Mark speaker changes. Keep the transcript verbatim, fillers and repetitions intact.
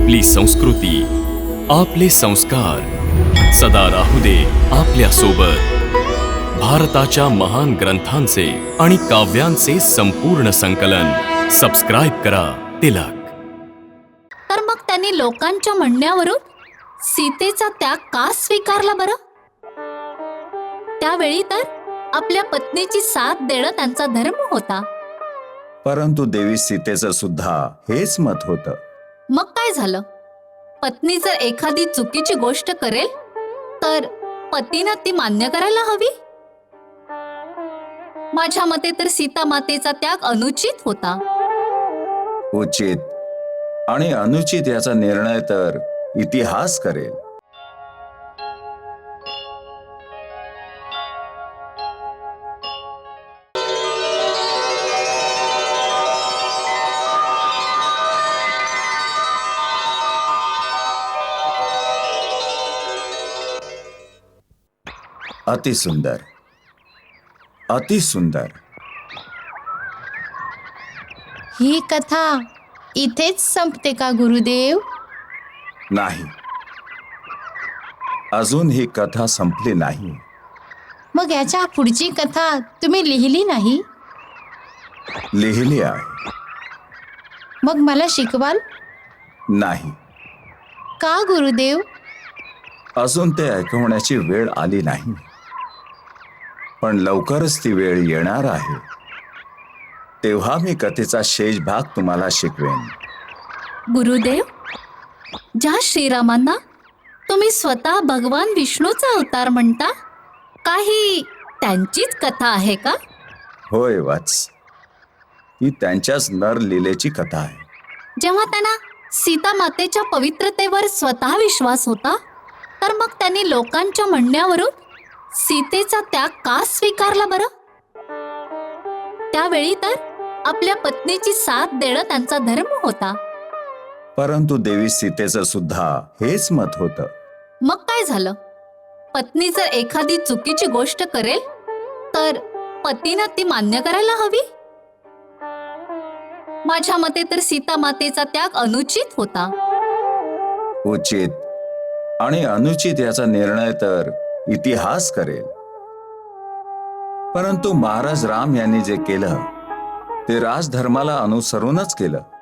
Speaker 1: आपली संस्कृती, आपले संस्कार सदा राहू दे आपल्या सोबत. भारताच्या महान ग्रंथांचे आणि काव्यांचे संपूर्ण संकलन. सबस्क्राईब करा तिलक.
Speaker 2: तर मग त्यांनी लोकांच्या म्हणण्यावरून सीतेचा त्याग का स्वीकारला बरं? त्यावेळी तर आपल्या पत्नीची साथ देणं त्यांचा धर्म होता.
Speaker 3: परंतु देवी सीतेचं सुद्धा हेच मत होतं.
Speaker 2: मग काय झालं? पत्नी जर एखादी चुकीची गोष्ट करेल तर पतीनं ती मान्य करायला हवी. माझ्या मते तर सीता मातेचा त्याग अनुचित होता.
Speaker 3: उचित आणि अनुचित याचा निर्णय तर इतिहास करेल. अति सुंदर, अति सुंदर.
Speaker 4: ही कथा इथेच संपते का गुरुदेव?
Speaker 3: नाही, अजून ही कथा संपली नाही.
Speaker 4: मग याच्या पुढची कथा तुम्ही लिहिली नाही?
Speaker 3: लिहिली आहे.
Speaker 4: मग मला शिकवाल?
Speaker 3: नाही,
Speaker 4: का गुरुदेव?
Speaker 3: अजून ते ऐकवण्याची वेळ आली नाही. पण लवकरच ती वेळ येणार आहे. तेव्हा मी कथेचा शेष भाग तुम्हाला शिकवेन.
Speaker 2: गुरुदेव, ज्या श्रीरामांना तुम्ही स्वतः भगवान विष्णूचा अवतार म्हणता, काही त्यांचीच कथा आहे का?
Speaker 3: होय वत्स, ही त्यांच्याच नर लीलेची कथा आहे.
Speaker 2: जेव्हा त्यांना सीता मातेच्या पवित्रतेवर स्वतः विश्वास होता, तर मग त्यांनी लोकांच्या म्हणण्यावरून सीतेचा त्याग का स्वीकारला बरं? त्यावेळी तर आपल्या पत्नीची साथ देणं त्यांचा धर्म होता.
Speaker 3: परंतु देवी सीतेचं सुद्धा हेच मत होतं.
Speaker 2: मग काय झालं? पत्नी जर एखादी चुकीची गोष्ट करेल तर पतीनं ती मान्य करायला हवी. माझ्या मते तर सीता मातेचा त्याग अनुचित होता.
Speaker 3: उचित आणि अनुचित याचा निर्णय तर इतिहास करेल. परंतु महाराज राम यांनी जे केलं ते राजधर्माला अनुसरूनच केलं.